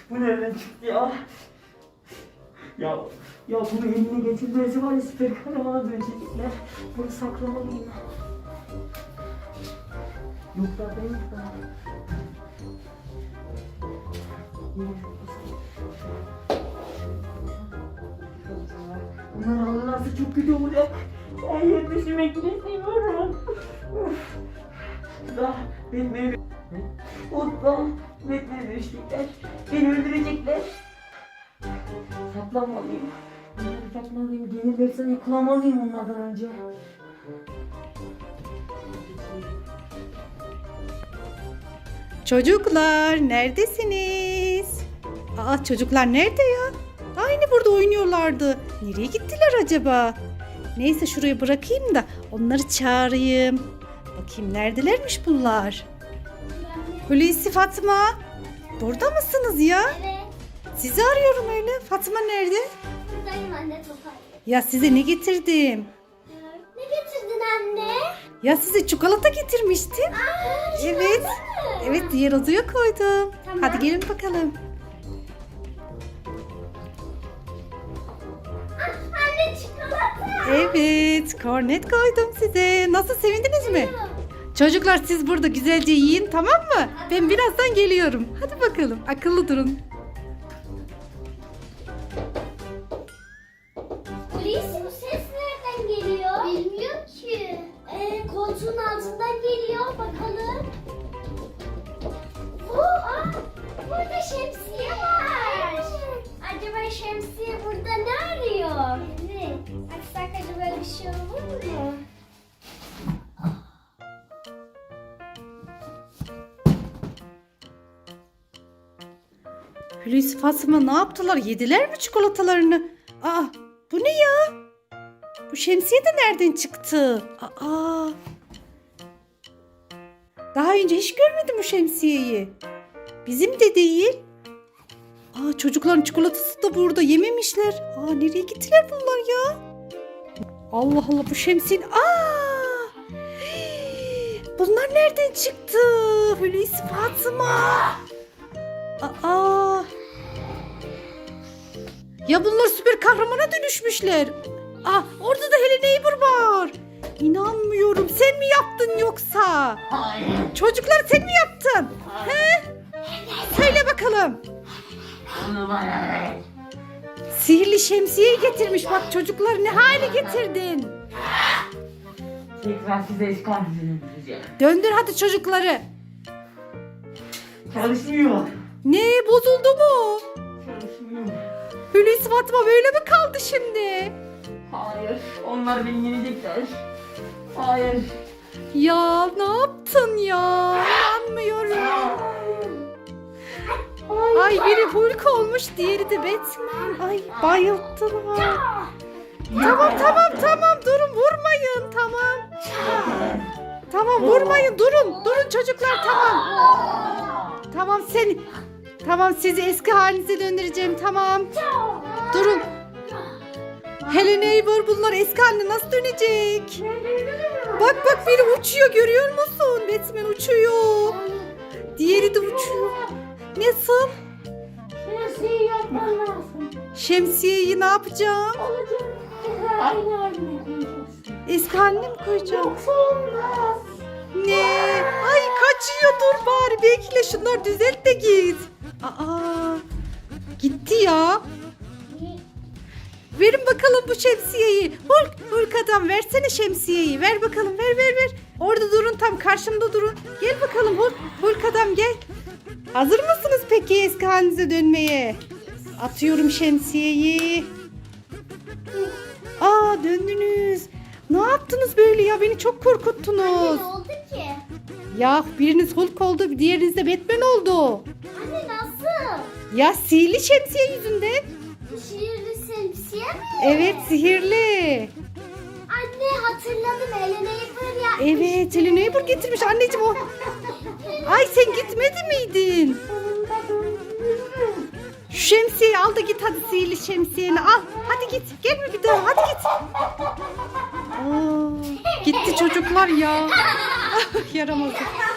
Bu nereden çıktı ya? Ya bunu eline getirmesi var ya, süper kahramana dönecekler. Bunu saklamalıyım. Yok da ben yok da. Bunlar alırlarsa çok kötü olacak. Ben yer düşürmek bile istemiyorum. Da Batman'e Batman'e düştükler. Beni öldürecekler. Saklamalıyım. Bunları saklamalıyım. Gelirlerse yakalamalıyım onlardan önce. Çocuklar neredesiniz? Aa, çocuklar nerede ya? Aynı burada oynuyorlardı. Nereye gittiler acaba? Neyse şuraya bırakayım da onları çağırayım. Bakayım neredelermiş bunlar? Hulusi, Fatma. Burada mısınız ya? Evet. Sizi arıyorum öyle. Fatma nerede? Buradayım anne, toparlayayım. Ya size ne getirdim? Ne getirdin anne? Ya size çikolata getirmiştim. Evet. Evet, diğer odaya koydum. Tamam. Hadi gelin bakalım. Anne çikolata. Evet, kornet koydum size. Nasıl, sevindiniz mi? Çocuklar siz burada güzelce yiyin, tamam mı? Ben birazdan geliyorum. Hadi bakalım, akıllı durun. Hulusi, bu ses nereden geliyor? Bilmiyorum ki. Koltuğun altından geliyor, bakalım. Burada şemsiye var. Acaba şemsiye burada ne arıyor? Evet. Açsak acaba bir şey olur mu? Hulusi, Fatma ne yaptılar? Yediler mi çikolatalarını? Aa, bu ne ya? Bu şemsiye de nereden çıktı? Aa. Daha önce hiç görmedim bu şemsiyeyi. Bizim de değil. Aa, çocukların çikolatası da burada, yememişler. Aa, nereye gittiler bunlar ya? Allah Allah, bu şemsiyenin... Aa! Bunlar nereden çıktı? Hulusi, Fatma. Aa! Ya bunlar süper kahramana dönüşmüşler. Aa, orada da Helen Eybur var. İnanmıyorum. Sen mi yaptın yoksa? Hayır. Çocuklar sen mi yaptın? He? Söyle bakalım. Onu bana ver. Sihirli şemsiyeyi getirmiş. Bak çocuklar, ne hale getirdin? Tekrar size iskambilini diyeceğim. Döndür hadi çocukları. Çalışmıyor. Ne, bozuldu mu? Çalışmıyor. Hulusi, Fatma böyle mi kaldı şimdi? Hayır. Onlar beni yenecekler. Hayır. Ya ne yaptın ya? İnanmıyorum. Ay, biri Hulk olmuş, diğeri de Batman. Ay, bayılttılar. Tamam durun, vurmayın, tamam. Tamam, vurmayın, durun çocuklar, tamam sizi eski halinize döndüreceğim, tamam. Durun. Helen Eybur, bunlar eski haline nasıl dönecek? Bak biri uçuyor, görüyor musun? Batman uçuyor. Diğeri de uçuyor. Nasıl? Şemsiye yapman lazım. Şemsiyeyi ne yapacağım? Aynı haline koyacaksın. Eski haline mi koyacağım? Yoksa olmaz. Ne? Ay, kaçıyor, dur bari bekle, şunlar düzelt de git. Aa, gitti ya. Verin bakalım bu şemsiyeyi. Hulk adam, versene şemsiyeyi. Ver bakalım, ver. Orada durun, tam karşımda durun. Gel bakalım Hulk adam, gel. Hazır mısınız peki eski halinize dönmeye? Atıyorum şemsiyeyi. Aa, döndünüz. Ne yaptınız böyle ya? Beni çok korkuttunuz. Ne oldu ki? Ya biriniz Hulk oldu, diğeriniz de Batman oldu. Anne nasıl? Ya sihirli şemsiye yüzünden. Sihirli şemsiye mi? Evet, sihirli. Anne hatırladım, Helen Eybur ya. Evet, Helen Eybur getirmiş anneciğim o. Ay, sen gitmedi miydin? Şu şemsiyeyi al da git hadi, sihirli şemsiyeni al. Hadi git, gelme bir daha, hadi git. Aa, gitti çocuklar ya. Yaramazlık.